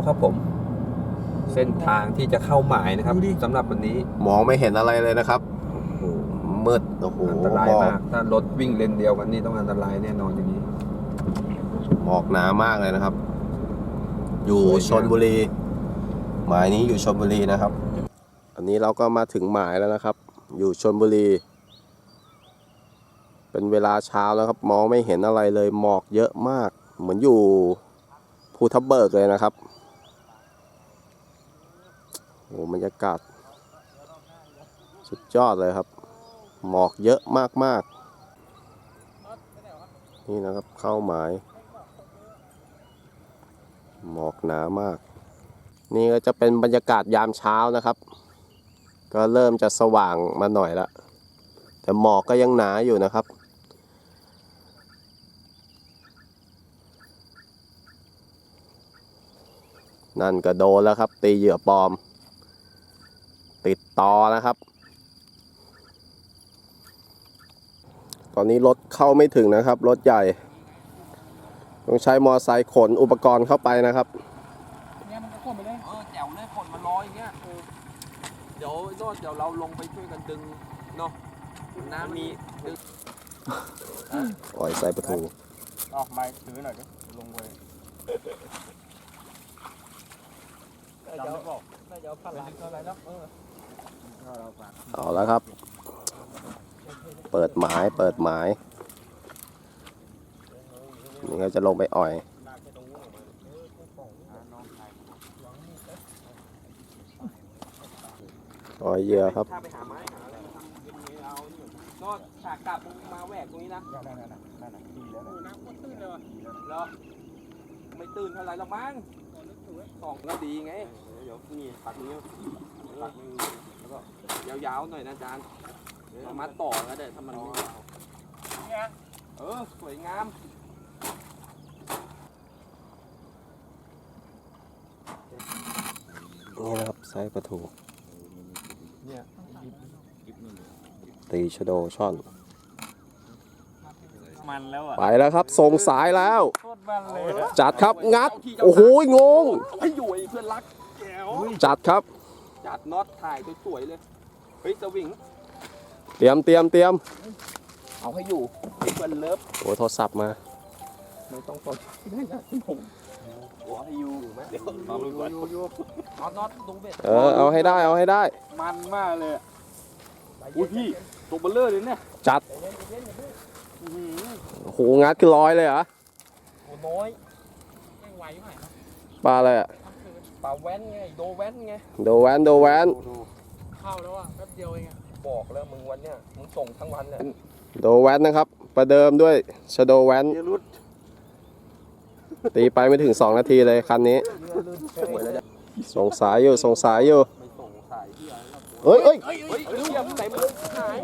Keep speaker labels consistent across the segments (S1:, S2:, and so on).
S1: ครับผมเส้นทางที่จะเข้าหมายนะครับสำหรับวันนี้
S2: มองไม่เห็นอะไรเลยนะครับมืดโอ้โห
S1: อันตรายมากถ้ารถวิ่งเลนเดียวกันนี่ต้องอันตรายแน่นอนอย่างนี้
S2: หมอกหนามากเลยนะครับอยู่ชลบุรีหมายนี้อยู่ชลบุรีนะครับอันนี้เราก็มาถึงหมายแล้วนะครับอยู่ชลบุรีเป็นเวลาเช้าแล้วครับมองไม่เห็นอะไรเลยหมอกเยอะมากเหมือนอยู่ภูทับเบิกเลยนะครับโอ้บรรยากาศสุดยอดเลยครับหมอกเยอะมากๆนี่นะครับเข้าหมายหมอกหนามากนี่ก็จะเป็นบรรยากาศยามเช้านะครับก็เริ่มจะสว่างมาหน่อยละแต่หมอกก็ยังหนาอยู่นะครับนั่นก็โดนแล้วครับตีเหยื่อปลอมติดต่อนะครับตอนนี้รถเข้าไม่ถึงนะครับรถใหญ่ต้องใช้มอไซค์ขนอุปกรณ์เข้าไปนะครับ
S3: เนี่ยมันก็ขนไปเลย
S1: แจ๋วเลยขนมารออย่างเงี้ยเดี๋ยวเราลงไปช่วยกันดึงเนาะน้ำมีดึง
S2: ปล่อยใส่ประตู
S3: ออกมาถือหน่อยดิลงไปจำไม่บอกน่าจะเอาพันล้านเท่าไรแล้ว
S2: เอาแล้วครับเปิดหมายนี่ก็จะลงไปอ่อยเหยื่อครับ
S1: ถ้าไปหาไม้หาอะไรทำเป็นนี้เอาก็ฉากกลับมาแหวกตรงนี้นะ
S3: นั่นดีแล้วน้ำก็ตื้นเลยว่ะ
S1: แล้วไม่ตื่นเท่าไรหรอกมั้งสองก็ดีไงเดี๋ยวนี่ปักนี้ปักมือแล้วก็ยาวๆหน่อยนะอาจารย์เอามาต่อแล้วเดี๋ยวทำมัน
S3: เนี่ย
S1: สวยงาม
S2: นี่นะครับไซส์ปลาทู
S3: เนี่ย
S2: ตีชะโดช่อน
S3: มันแล้วอ่ะ
S2: ไปแล้วครับส่งสายแล้ว
S3: โคตรมันเลย
S2: จัดครับงัดโอ้โหงง
S1: ให้อยู่ไอ้เพื่อนรักแก้ว
S2: จัดครับ
S1: จัดน็อตถ่ายสวยๆเลยเฮ้ยสวิง
S2: เตรียม
S1: เอาให้อยู่เพื่อนเลิฟ
S2: โอ้โทรศัพท์มา
S1: ไม่ต้องสนผมหัวให้อยู่ไหมเดี๋ยวอยู่น็อตตรงเบ็ด
S2: เอาให้ได้
S3: มันมากเลย
S1: อุ้ยพี่ตัวเบลเลอร์เลยเนี่ย
S2: จัดโอ้โหงัดคือร้อยเลยเหรอ
S1: โอ้น้อย
S3: ไม่ไหวไหม
S2: ปลาอะไรอ่ะ
S1: ปลาแว้นไงโดแว้นไง
S2: โดแว้น
S3: เข้าแล้วอ่ะแป๊บเดียวเองอ่ะ
S1: บอกแล้วมึงวันเนี้ยมึงส่งทั้งวันเลย
S2: โดแว้นนะครับประเดิมด้วยชะโดแว้นตีไปไม่ถึง2 นาทีเลยคันนี้ส่งสายอยู่เฮ้ย
S1: เต็มเลยหาย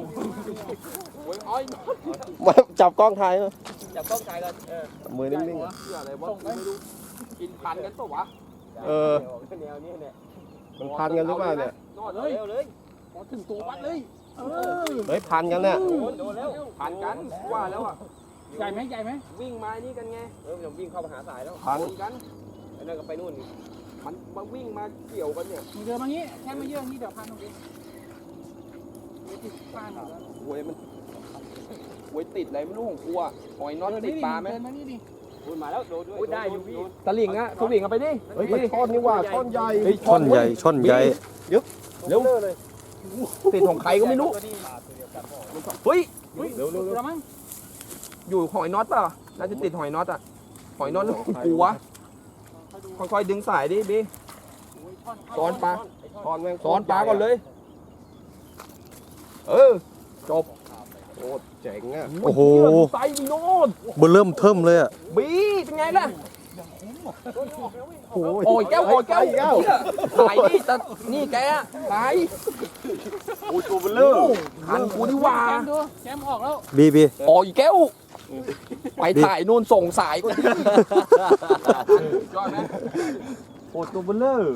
S2: มาจับกล้องถ่าย
S1: จับกล้องถ่ายกัน
S2: มือนิ่งๆ
S1: อะไรวะไม่รู้กินพันกันปะวะแนวนี้เนี่ย
S2: มันพันกันหรือเปล่าเนี่ย
S1: นอดเลย
S3: พอถึงตัววัดเลย
S2: เฮ้ยพันกันเนี่ย
S1: โดนแล้วพันกันว่าแล้วอ่ะ
S3: ใหญ่ไหม
S1: วิ่งมานี่กันไงผมวิ่งเข้ามาหาสายแล้ว
S2: พัน
S1: กันไอ้นั่นก็ไปนู่นมันมาวิ่งมาเกี่ยวกันเนี่ย
S3: เดินมางี้แค่มาเยอะนี่เดี๋ยวพันตรงนี้ติดปลาหน่อย
S1: หวยมันหวยติดอะไรไม่รู้ของกูอ่ะหอยน็อตติดปลาไหม
S3: เดินมานี่ดิ
S1: มาแล้วโดนด้วยได้อยู่พี่ตะลิงอ่ะสวิงเอาไปดิ
S2: เฮ้ยช่อนนี่ว่าช่อนใหญ่
S1: ช่อนใหญ่ยึบเร็วเลยติดของใครก็ไม่รู้เฮ้ย
S3: เร็วมั้ง
S1: อยู่หอยน็อตป่ะน่าจะติดหอยน็อตอ่ะหอยน็อตแล้วกูวะค่อยๆดึงสายดิบีซ้อนปลาก่อนเลยจบ
S2: โอ้เจ๋งอ่ะ
S1: โอ้โหไซบีโน่น
S2: เบอร์เริ่มเทิมเลยอ่ะ
S1: บีเป็นไงล่ะโอ้ยแก้วสายนี่แต่นี่แกสายโอ้ยตัวเบลเลอร์หันกูนี่ว่า
S3: แชมป์ออกแล้ว
S2: บี
S1: โอ้ยแก้วไปถ่ายนู่นส่งสายก็ดียอดไหมโอ้ตัวเบลเลอร์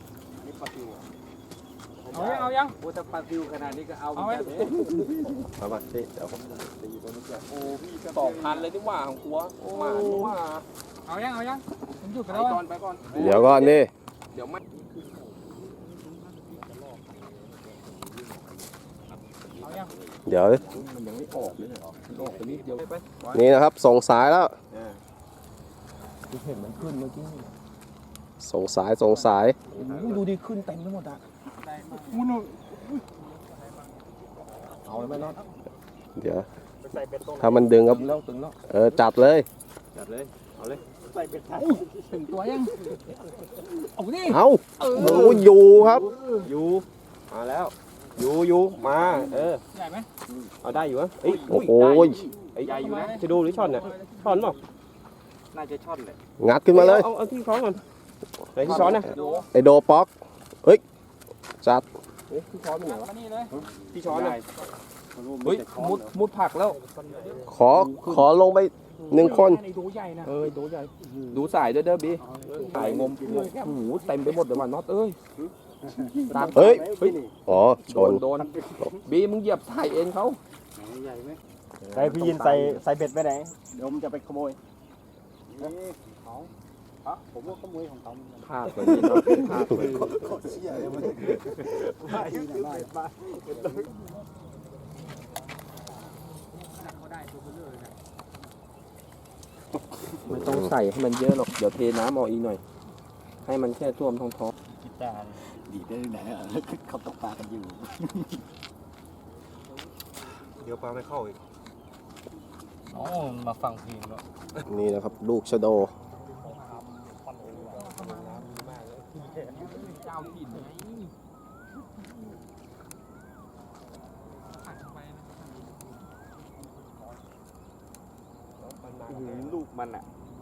S3: เอายัง
S1: โอ้แต่ปลาซิวขนาดนี้ก็เอา
S3: ไหม
S2: เอามาสิเดี๋ยวผม
S1: โอ้พี่2,000เลยนี่ว่าของกูว่า
S3: เอายังผมหยุดไป
S1: ไป
S3: แล้ว
S1: ก่อนไปก่อน
S2: เดี๋ยวก่อนดิ
S1: เดี๋ยวไม่
S3: เอายัง
S2: เดี๋ยว
S1: มันยังไม่ออกเลยมันออกไปนิดเดียวไป
S2: นี่นะครับ ส่งสายแล้ว
S1: เห็นมันขึ้นเมื่อกี้
S2: ส่งสาย
S1: ดูดิขึ้นเต็มไปหมดอ่ะ
S3: มูนู
S1: เอาเลยไหมน็อต
S2: เดี๋ยว ถ้ามันดึงครับ
S1: ตึงแล้ว
S2: จัดเลย
S1: จัดเลยเอาเลย
S3: ถึงตัวยังเอาดิ
S2: เอาโอ้อยู่ครับ
S1: อยู่มาแล้วอยู่มา
S3: ใหญ่ไหม
S1: เอาได้อยู่วะเอ้ย
S2: โอ้โห
S1: ไอ้ใหญ่อยู่นะจะดูหรือช่อนเนี่ยช่อนเปล่าน่าจะช่อนเลย
S2: งัดขึ้นมาเลย
S1: เอาที่ช้อนก่อนไหนที่ช้อนนะ
S2: ไอโดป๊อกเฮ้ย จัด
S1: ที่ช้อนเป็นไหนวะ
S3: มานี่เลย
S1: ที่ช้อนเลยเฮ้ยมุดผักแล้ว
S2: ขอลงไป1 คน
S3: ในดูใหญ่นะ
S1: ดูใหญ่ดูสายด้วยเด้อบีสายงมโอ้โหเต็มไปหมดเลยว่ะน็อตเอ้ยตาม
S2: เฮ้ย อ๋อ ชน
S1: โดนบีมึงเหยียบสายเอ็นเขา
S4: ใส่พี่ยินใส่เบ็ดไปไหนเดี๋ยวผมจะไปขโมยผมว่าขโมยของเขา
S1: พลาดไปนี่เนาะพลาดไปไม่ต้องใส่ให้มันเยอะหรอกเดี๋ยวเทน้ำออกอีกหน่อย ให้มันแค่ท่วมท้อง
S4: คิดตาดีได้ไหนอ่ะเขาตกปลากันอยู่
S1: เดี๋ยวปลาไม่เข้าอีก
S4: อ๋อมาฟังเพลงแล้ว
S2: นี่นะครับ ลูกชะโด
S3: เจ้าถิ่นไง
S4: ลูกมันอ่ะ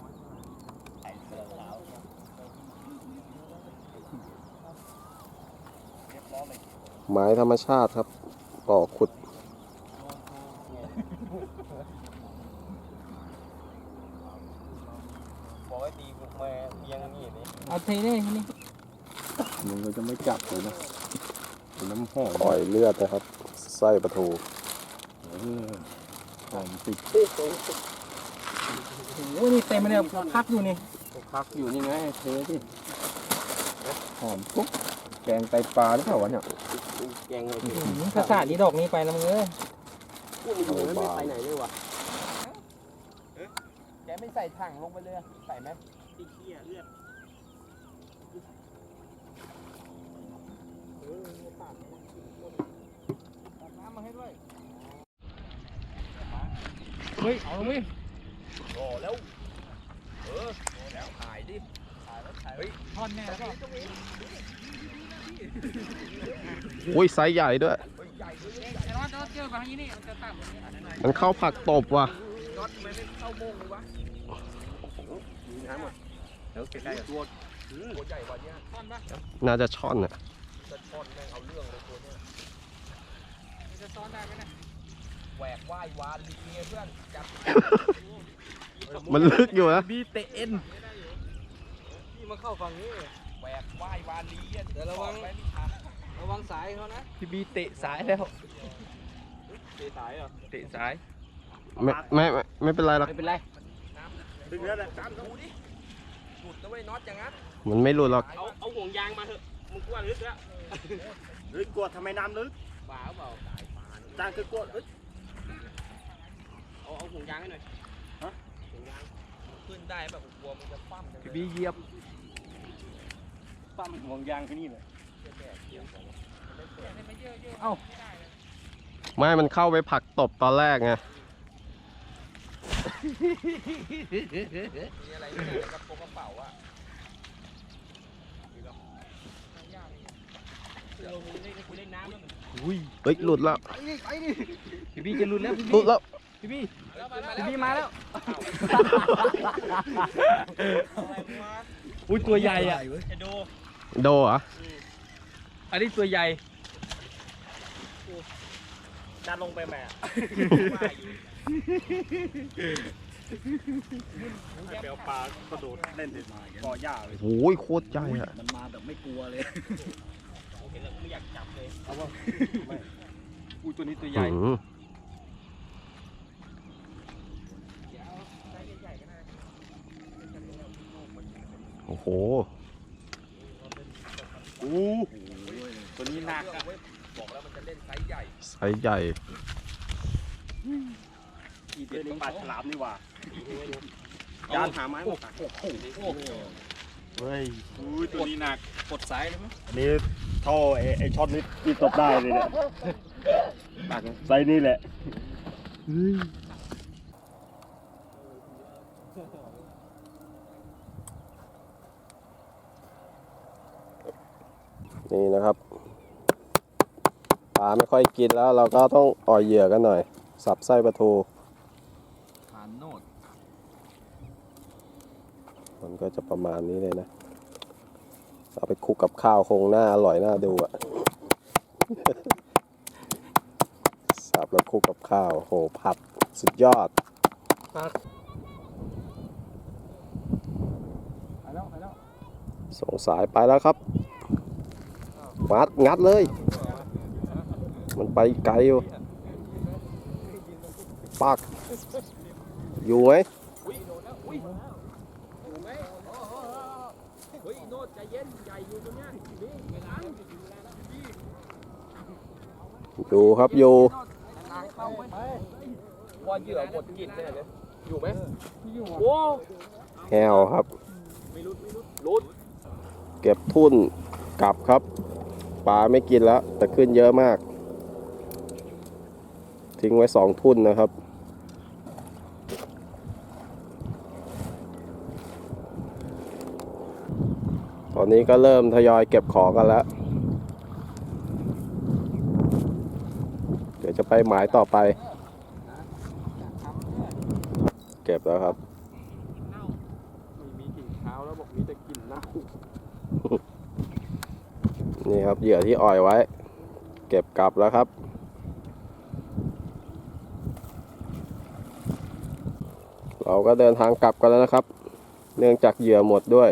S2: ไม้ธรรมชาติครับก่อขุด
S4: บอกให้ตีบุกมาเพียงนี่นี่
S3: เอาเทเลยนี่
S1: มึงก็จะไม่จับเลยนะน้ำหอม
S2: ปล่อยเลือดนะครับ ไส้ปลาทู
S1: หอมติด
S3: โอ้ยนี่เต็มไปเลยพักอยู่นี่
S1: พักอยู่นี่ไงเทสิหอมปุ๊บแกงไตปลาหรือเปล่าวะเนี่ยแกงเลย
S3: ภาษานี้ดอกนี้ไปนะมึงเอ้ย
S1: พูดอยู่ไม่ไปไหนเลยวะแกไม่ใส่ถังลงไปเลยใส่ไหม
S4: ตีเขี้ยเลือด
S3: น้ำมาให้ด้วยเฮ้ยเอาเลย
S1: โอ้แล้วแล้วถ่ายดิ
S3: ทอนแน่แล้วก็
S2: อุ้ยไซส์ใหญ่ด้วย
S3: ไอ้รอดเจอฝั่งนี้นี่มันจะต่ำกว่านี้
S2: มันเข้าผักตบว่ะ
S1: น็อตทำไมไม่เข้าโมงเลยวะน้ำหมดเดี๋ยวใกล้ๆตัวใหญ่กว่านี้
S3: ทอนปะ
S2: น่าจะช่อนอ่ะ
S1: จะช้อนแม่งเอาเรื่องเลยตัวเนี้ย
S3: มันจะซ้อนได้ไหมเนี่ย
S1: แหวกว่ายวานลีเงี้ยเพื่อนจับ
S2: มันลึกอยู่นะ
S1: บีเตเอ็น
S3: พี่มาเข้าฝั่งนี้
S1: แหวกว่ายวานลีเงี้ยเดี๋ยวระวัง
S3: ระวังสายเขานะ
S1: พี่บีเตะสายแล้วเตะสายเหรอเตะสาย
S2: ไม่เป็นไรหรอก
S3: ไม่เป็นไร
S4: ดึงแล้วแหละ
S1: ตามดูดิหลุดนะเว้ยน็อตอย่างนั้น
S2: มันไม่หลุดหรอก
S4: เอาห่วงยางมาเถอะมึงกลัวลึกแล้วลึกกว่าทำไมน้ำลึก
S1: บ้าเปล่า
S4: จางคือกลัวลึก
S1: เอาห่วงยางให้หน่อยฮะห่วงยางขึ้นได้แบบกลัวมันจะคว่ำพี่บีเหยียบ
S4: ปั้มห่วงยางที่นี่เลย
S3: เอ้า
S2: ไม่มันเข้าไปผักตบตอนแรกไง
S1: มีอะไรไม่ได้กระเป๋าอะ
S2: เฮ้ย หลุดแล้ว
S1: พี่บีจะหลุดแล้ว
S2: หลุดแล้ว
S1: พี่บีมาแล้ว
S4: อุ้ยตัวใหญ่อ่ะ
S2: โดเหรอ
S4: อันนี้ตัวใหญ่ดันลงไปแม่ไปเอาปลากระโดดเล่นเด็ดมาก่อหญ้าเลย
S2: โอ้ยโคตรใหญ่อะ
S4: มันมาแบบไม่กลัวเลยเห็นแล้วไม่อยากจับเลยเอาว่า
S1: อุ้ยตัวนี้ตัวใหญ่
S2: อืมโอ้โห
S1: ตัวนี้หนักอะบอกแล้วมันจะเล่นไซส์ใหญ่
S2: ไซส์ใหญ่
S4: เรื่องนี้ปลาฉลามนี่หว่า
S1: จานหาไม้มาตัก
S4: เฮ้ย
S1: ตัวนี้หนักกดสายเลยมั้ย
S4: อันนี้ท่อไอ้ช็อตนี้ที่ตบได้เลยเนี่ยไซส์นี่แหละ
S2: นี่นะครับปลาไม่ค่อยกินแล้วเราก็ต้องอ่อยเหยื่อกันหน่อย สับไส้ปลาทู
S1: ผ่านโนด
S2: มันก็จะประมาณนี้เลยนะเอาไปคลุกกับข้าวคงน่าอร่อยน่าดูอะ สับแล้วคลุกกับข้าวโหผัดสุดยอด
S3: ไปแล้วไปแล้ว
S2: ส่งสายไปแล้วครับงัดเลย มันไปไกลอยู่ปักอยู่ไหม
S1: อุ้ยโดนแล้วอุ้ยอยู่ไหมเฮ้ยโนดใจเย็นใหญ่อยู่ตรงเนี้ยนี่ไม่ล้าง
S2: อยู่ครับอยู่
S1: ล้างเข้าไหมว่าเหยื่อหมดกินแน่เลยอยู่ไหม
S3: ที่อยู่
S1: โอ้
S2: แฮวครับ
S1: ไม่รุด
S2: เก็บทุ่นกลับครับปลาไม่กินแล้วแต่ขึ้นเยอะมาก ทิ้งไว้2 ทุ่นนะครับตอนนี้ก็เริ่มทยอยเก็บของกันแล้ว เดี๋ยวจะไปหมายต่อไป เก็บแล้วครับ
S1: ไม่มีกลิ่นเท้าแล้วบอกมีแต่กลิ่นเน่า
S2: นี่ครับเหยื่อที่อ่อยไว้ เก็บกลับแล้วครับ เราก็เดินทางกลับกันแล้วนะครับ เนื่องจากเหยื่อหมดด้วย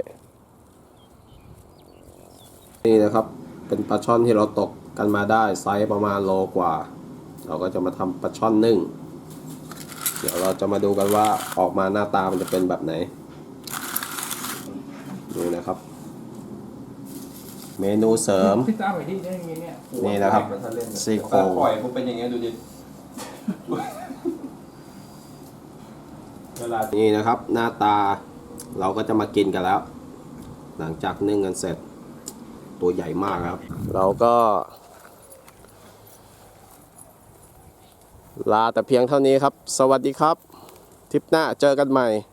S2: นี่นะครับเป็นปลาช่อนที่เราตกกันมาได้ไซส์ประมาณโลกว่า เราก็จะมาทำปลาช่อนนึ่ง เดี๋ยวเราจะมาดูกันว่าออกมาหน้าตามันจะเป็นแบบไหนนี่นะครับ เมนูเสริม
S3: พี่จ้าไปที่ได้ยังไงเนี่ย
S2: นี่นะครับซี่โครง
S1: ปล่อยผมเป็นอย่างเงี้ยดูดิ
S2: นี่นะครับหน้าตาเราก็จะมากินกันแล้ว หลังจากนึ่งกันเสร็จตัวใหญ่มากครับ เราก็ลาแต่เพียงเท่านี้ครับ สวัสดีครับทริปหน้าเจอกันใหม่